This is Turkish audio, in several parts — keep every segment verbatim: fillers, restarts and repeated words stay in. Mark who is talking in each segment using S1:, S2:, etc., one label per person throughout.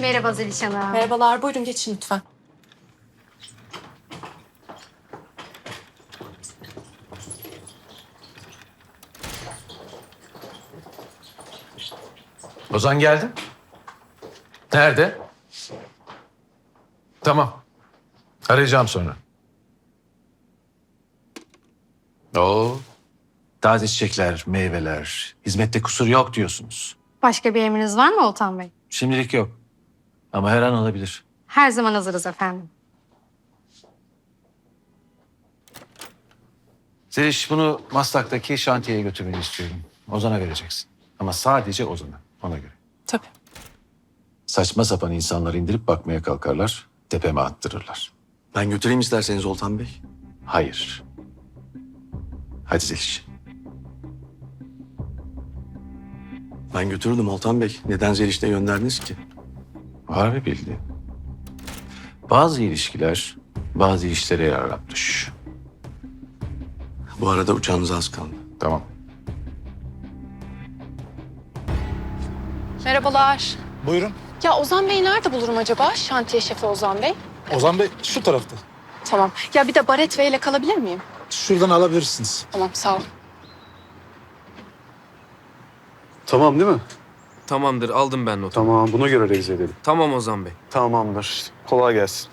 S1: Merhaba Zeliş Hanım.
S2: Merhabalar, buyurun geçin lütfen.
S3: Ozan geldi. Nerede? Tamam. Arayacağım sonra. Oo. Taze çiçekler, meyveler, hizmette kusur yok diyorsunuz.
S1: Başka bir emriniz var mı Oltan Bey?
S3: Şimdilik yok. Ama her an olabilir.
S1: Her zaman hazırız efendim.
S3: Zeliş, bunu Maslak'taki şantiyeye götürmeni istiyorum. Ozan'a vereceksin. Ama sadece Ozan'a, ona göre.
S2: Tabii.
S3: Saçma sapan insanlar indirip bakmaya kalkarlar, tepeme attırırlar.
S4: Ben götüreyim isterseniz Oltan Bey.
S3: Hayır. Hadi Zeliş.
S4: Ben götürürdüm Oltan Bey. Neden Zeliş'te gönderdiniz ki?
S3: Var bir bildiğin. Bazı ilişkiler bazı işlere yararlanmış.
S4: Bu arada uçağınız az kaldı.
S3: Tamam.
S2: Merhabalar.
S5: Buyurun.
S2: Ya Ozan Bey'i nerede bulurum acaba? Şantiye şefi Ozan Bey.
S5: Ozan Bey şu tarafta.
S2: Tamam. Ya bir de Baret Bey ile kalabilir miyim?
S5: Şuradan alabilirsiniz.
S2: Tamam, sağ ol.
S4: Tamam değil mi?
S6: Tamamdır, aldım ben notu.
S4: Tamam, buna göre revize edelim.
S6: Tamam Ozan Bey.
S4: Tamamdır. Kolay gelsin.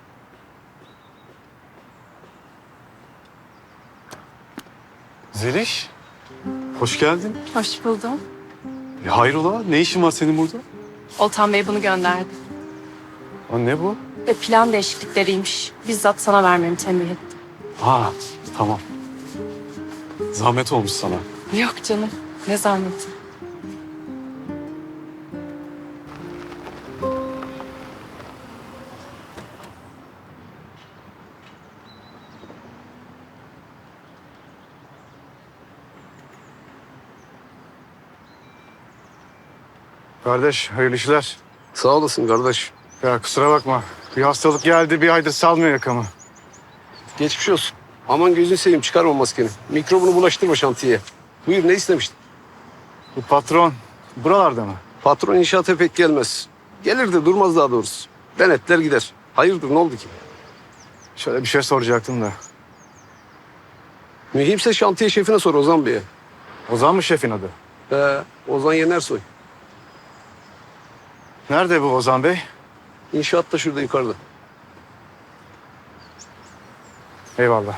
S4: Zeliş, hoş geldin.
S2: Hoş buldum.
S4: Ya hayrola, ne işin var senin burada?
S2: Oltan Bey bunu gönderdi.
S4: Ha, ne bu?
S2: Ve plan değişiklikleriymiş. Bizzat sana vermemi tembih etti.
S4: Ha, tamam. Zahmet olmuş sana.
S2: Yok canım, ne zahmeti.
S7: Kardeş, hayırlı işler.
S4: Sağ olasın kardeş.
S7: Ya kusura bakma. Bir hastalık geldi, bir aydır salmıyor yakamı.
S8: Geçmiş olsun. Aman gözünü seveyim çıkarma maskeni. Mikrobunu bulaştırma şantiyeye. Buyur ne istemiştin?
S7: Bu patron buralarda mı?
S8: Patron inşaata pek gelmez. Gelir de durmaz daha doğrusu. Denetler gider. Hayırdır ne oldu ki?
S7: Şöyle bir şey soracaktım da.
S8: Mühimse şantiye şefine sor Ozan Bey'e.
S7: Ozan mı şefin adı?
S8: Ee, Ozan Yenersoy.
S7: Nerede bu Ozan Bey?
S8: İnşaatta şurada yukarıda.
S7: Eyvallah.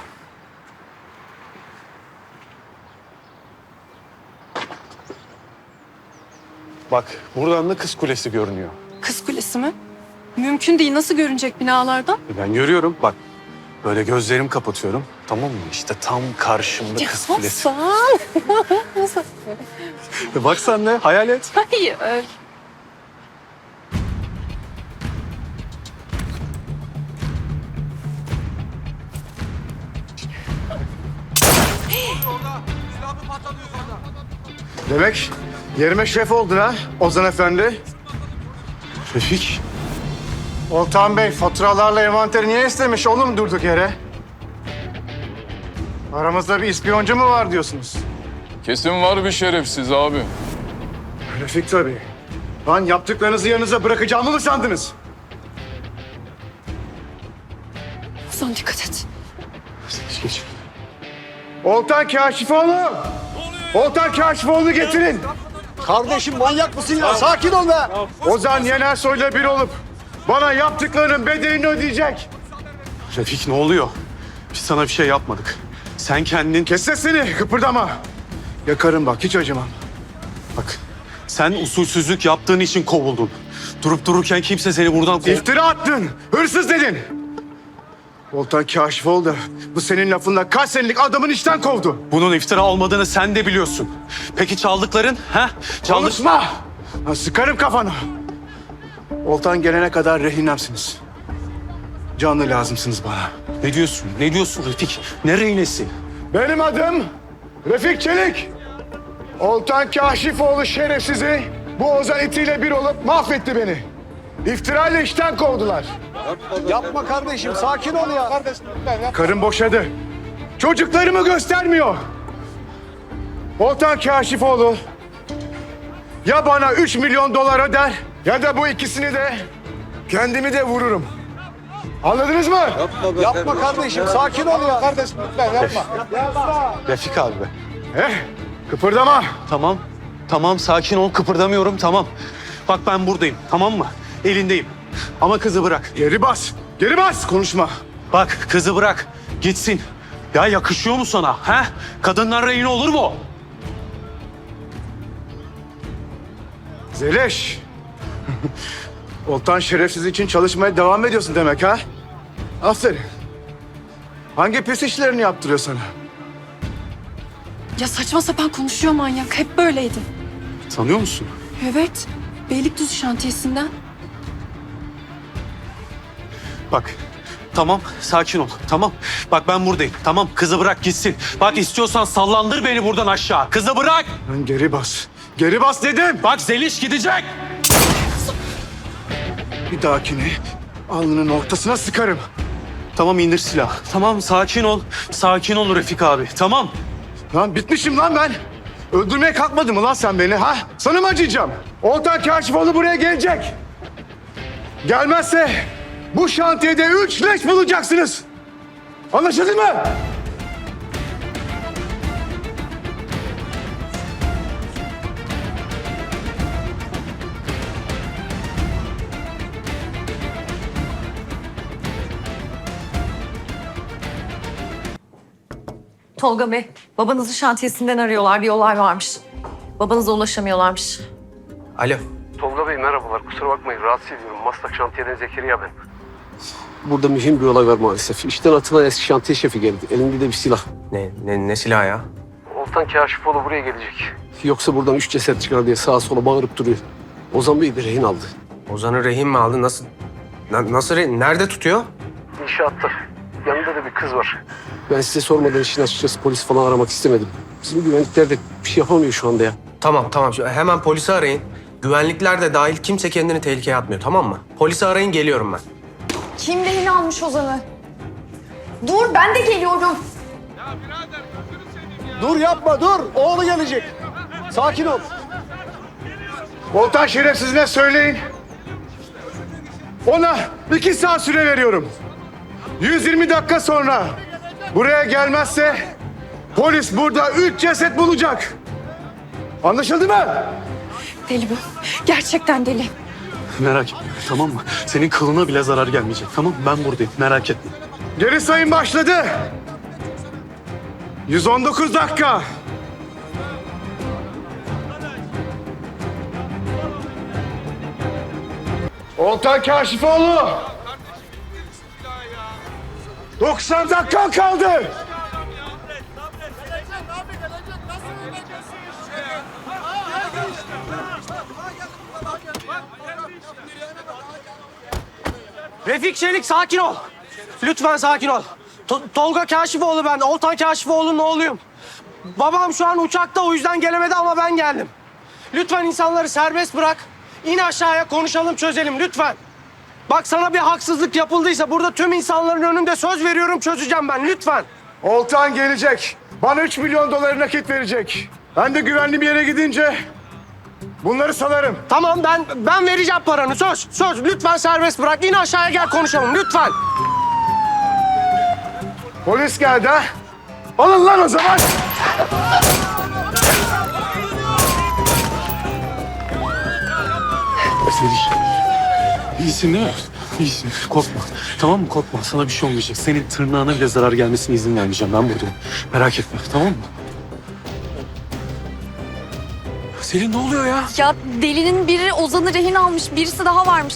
S4: Bak, buradan da Kız Kulesi görünüyor.
S2: Kız Kulesi mi? Mümkün değil. Nasıl görünecek binalardan?
S4: E, Ben görüyorum, bak. Böyle gözlerimi kapatıyorum. Tamam mı? İşte tam karşımda Kız Kulesi.
S2: Hasan.
S4: E, Bak sen de, hayal et.
S2: Hayır.
S7: Demek yerime şef oldun ha Ozan Efendi.
S4: Refik,
S7: Oltan Bey faturalarla envanteri niye istemiş oğlum durduk yere? Aramızda bir ispiyoncu mu var diyorsunuz?
S9: Kesin var bir şerefsiz abi.
S7: Refik tabii. Lan yaptıklarınızı yanınıza bırakacağımı mı sandınız?
S2: Ozan dikkat et.
S4: geç geç.
S7: Oltan Kaşifoğlu! Oltan Kaşifoğlu getirin!
S8: Kardeşim manyak mısın ya? Sakin ol be.
S7: Ozan Yenersoy'la bir olup bana yaptıklarının bedelini ödeyecek.
S4: Refik ne oluyor? Biz sana bir şey yapmadık. Sen kendin...
S7: Kes sesini, kıpırdama. Yakarım bak, hiç acımam.
S4: Bak, sen usulsüzlük yaptığın için kovuldun. Durup dururken kimse seni buradan kov...
S7: İftira attın, hırsız dedin. Oltan Kaşifoğlu da bu senin lafınla kaç senelik adamın işten kovdu.
S4: Bunun iftira olmadığını sen de biliyorsun. Peki çaldıkların? Ha? Çaldık...
S7: Konuşma! Ha, sıkarım kafanı. Oltan gelene kadar rehinemsiniz. Canlı lazımsınız bana.
S4: Ne diyorsun? Ne diyorsun Refik? Ne rehinesi?
S7: Benim adım Refik Çelik. Oltan Kaşifoğlu şerefsizi bu Ozan itiyle bir olup mahvetti beni. İftirayla işten kovdular.
S8: Yapma kardeşim sakin ol ya.
S7: Karım boşadı. Çocuklarımı göstermiyor. Oltan Kaşifoğlu ya bana üç milyon dolar öder Ya da bu ikisini de kendimi de vururum. Anladınız mı?
S5: Yapma kardeşim. Sakin ol ya. Kardeşim lütfen yapma.
S4: Refik abi be.
S7: Eh, kıpırdama.
S4: Tamam. Tamam sakin ol kıpırdamıyorum tamam. Bak ben buradayım tamam mı? Elindeyim. Ama kızı bırak.
S7: Geri bas. Geri bas. Konuşma.
S4: Bak kızı bırak. Gitsin. Ya yakışıyor mu sana? He? Kadınlar rehin olur mu?
S7: Zeliş. Oltan şerefsiz için çalışmaya devam ediyorsun demek ha? Aferin. Hangi pis işlerini yaptırıyor sana?
S2: Ya saçma sapan konuşuyor manyak. Hep böyleydi.
S4: Tanıyor musun?
S2: Evet. Beylikdüzü şantiyesinden.
S4: Bak tamam sakin ol tamam. Bak ben buradayım tamam kızı bırak gitsin. Bak istiyorsan sallandır beni buradan aşağı. Kızı bırak.
S7: Lan geri bas. Geri bas dedim.
S4: Bak Zeliş gidecek.
S7: Bir dahakine alnının ortasına sıkarım.
S4: Tamam indir silah. Tamam sakin ol. Sakin ol Refik abi tamam.
S7: Lan bitmişim lan ben. Öldürmeye kalkmadın mı lan sen beni ha? Sana mı acıyacağım? Oltan Kaşifoğlu buraya gelecek. Gelmezse bu şantiyede üç leş bulacaksınız. Anlaşıldı mı?
S10: Tolga Bey, babanızı şantiyesinden arıyorlar. Bir olay varmış. Babanıza ulaşamıyorlarmış.
S6: Alo.
S8: Tolga Bey merhabalar. Kusura bakmayın rahatsız ediyorum. Maslak şantiyeden Zekeriya ben. Burada mühim bir olay var maalesef. İşten atılan eski şantiye şefi geldi. Elinde de bir silah.
S6: Ne, ne, ne silahı ya?
S8: Oltan Kaşifoğlu buraya gelecek. Yoksa buradan üç ceset çıkar diye sağa sola bağırıp duruyor. Ozan Bey bir rehin aldı.
S6: Ozan'ı rehin mi aldı? Nasıl? Na- nasıl rehin? Nerede tutuyor?
S8: İnşaatta. Yanında da bir kız var. Ben size sormadan işin açıkçası polis falan aramak istemedim. Bizim güvenlikler de bir şey yapamıyor şu anda ya.
S6: Tamam tamam. Şu- Hemen polisi arayın. Güvenlikler de dahil kimse kendini tehlikeye atmıyor tamam mı? Polisi arayın geliyorum ben.
S10: Kim rehin almış Ozan'ı? Dur, ben de geliyorum.
S7: Dur yapma dur. Oğlu gelecek. Sakin ol. Oltan şerefsizine söyleyin. Ona iki saat süre veriyorum. yüz yirmi dakika sonra buraya gelmezse polis burada üç ceset bulacak. Anlaşıldı mı?
S2: Deli bu. Gerçekten deli.
S4: Merak etme tamam mı? Senin kılına bile zarar gelmeyecek tamam mı? Ben buradayım merak etme.
S7: Geri sayım başladı. yüz on dokuz dakika. Oltan Kaşifoğlu. doksan dakika kaldı.
S11: Refik Çelik sakin ol. Lütfen sakin ol. To- Tolga Kaşifoğlu ben. Oltan Kaşifoğlu'nun oğluyum. Babam şu an uçakta o yüzden gelemedi ama ben geldim. Lütfen insanları serbest bırak. İn aşağıya konuşalım çözelim lütfen. Bak sana bir haksızlık yapıldıysa burada tüm insanların önünde söz veriyorum çözeceğim ben lütfen.
S7: Oltan gelecek. Bana üç milyon doları nakit verecek. Ben de güvenli bir yere gidince bunları salarım.
S11: Tamam ben ben vereceğim paranı söz. Söz lütfen serbest bırak. İn aşağıya gel konuşalım lütfen.
S7: Polis geldi ha. Alın lan o zaman.
S4: Zeliş. İyisin değil mi? İyisin. Korkma. Tamam mı? Korkma. Sana bir şey olmayacak. Senin tırnağına bile zarar gelmesine izin vermeyeceğim. Ben buradayım. Merak etme. Tamam mı? Selin ne oluyor ya?
S10: Ya delinin biri Ozan'ı rehin almış, birisi daha varmış.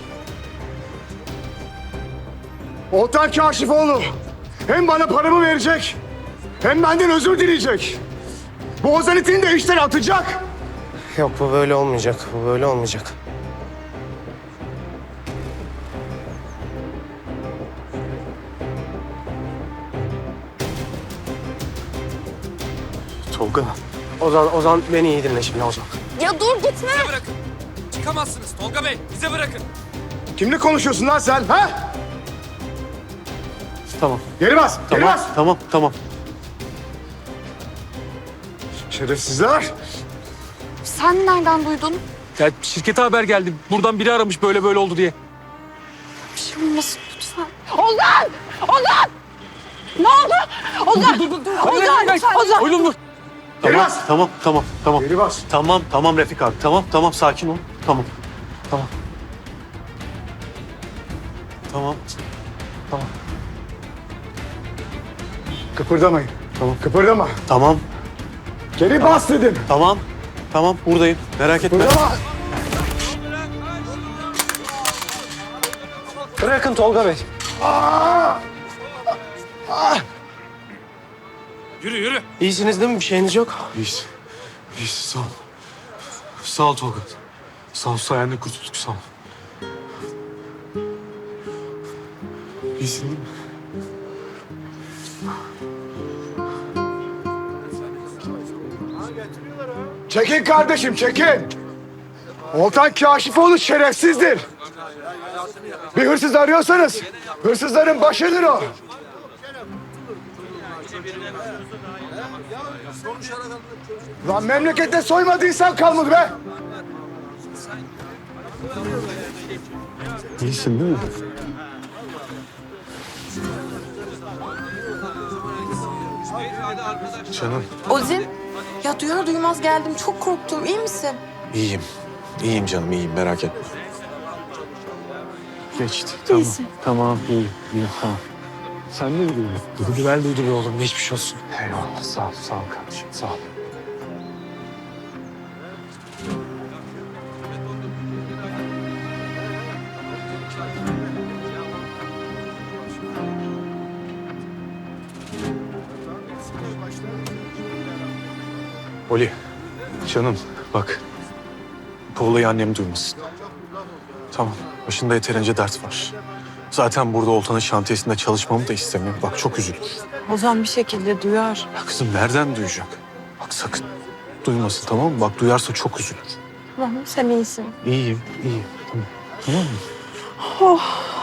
S7: Oltan Kaşifoğlu hem bana paramı verecek hem benden özür dileyecek. Bu Ozan itini de işten atacak.
S6: Yok bu böyle olmayacak. Bu böyle olmayacak.
S4: Tolga.
S6: Ozan, Ozan beni iyi dinle şimdi Ozan.
S10: Ya dur gitme.
S11: Bırakın. Çıkamazsınız Tolga Bey. Bize bırakın.
S7: Kimle konuşuyorsun lan sen ha?
S4: Tamam.
S7: Geri bas, geri
S4: Tamam.
S7: bas.
S4: Tamam. Tamam.
S7: Şerefsizler.
S10: Sen nereden duydun?
S4: Ya şirkete haber geldi. Buradan biri aramış böyle böyle oldu diye.
S2: Bir şey olmasın lütfen.
S10: Ozan! Ozan! Ne oldu? Ozan!
S4: Dur dur dur.
S10: Ozan! Ozan!
S4: Oğlum dur.
S7: Geri
S4: Tamam,
S7: bas.
S4: tamam, tamam, tamam.
S7: Geri bas.
S4: Tamam, tamam Refik abi. Tamam, tamam sakin ol. Tamam. Tamam. Tamam. Tamam.
S7: Kıpırdamayın.
S4: Tamam.
S7: Kıpırdama.
S4: Tamam.
S7: Geri bas dedim.
S4: Tamam. Tamam buradayım. Merak etme.
S7: Kıpırdama.
S11: Bırakın Tolga Bey.
S4: Yürü yürü.
S11: İyisiniz değil mi? Bir şeyiniz yok.
S4: İyiyiz. İyiyiz. Sağ ol. Sağ ol Tolga. Sağ ol. Sayende kurtulduk. Sağ ol. İyisin değil mi?
S7: Çekin kardeşim çekin. Oltan Kaşifoğlu şerefsizdir. Bir hırsız arıyorsanız hırsızların başıdır o. Lan memlekette soymadıysan kalmadı be.
S4: İyisin değil mi? Canım.
S2: Ozin, ya duyar duymaz geldim. Çok korktum. İyi misin?
S4: İyiyim. İyiyim canım iyiyim merak etme. Geçti. Tamam. Tamam iyiyim. İyiyim tamam. Sen ne biliyorsun?
S11: Güven duydu be oğlum. Geçmiş olsun.
S4: Eyvallah sağ ol. Sağ ol kardeşim sağ ol. Oli, canım bak. Bu olayı annem duymasın. Tamam, başında yeterince dert var. Zaten burada Oltan'ın şantiyesinde çalışmamı da istemiyor. Bak çok üzülür.
S2: Ozan bir şekilde duyar.
S4: Ya kızım nereden duyacak? Bak sakın duymasın tamam mı? Bak duyarsa çok üzülür.
S2: Tamam, sen iyisin.
S4: İyiyim, iyiyim. Tamam, tamam mı?
S2: Oh.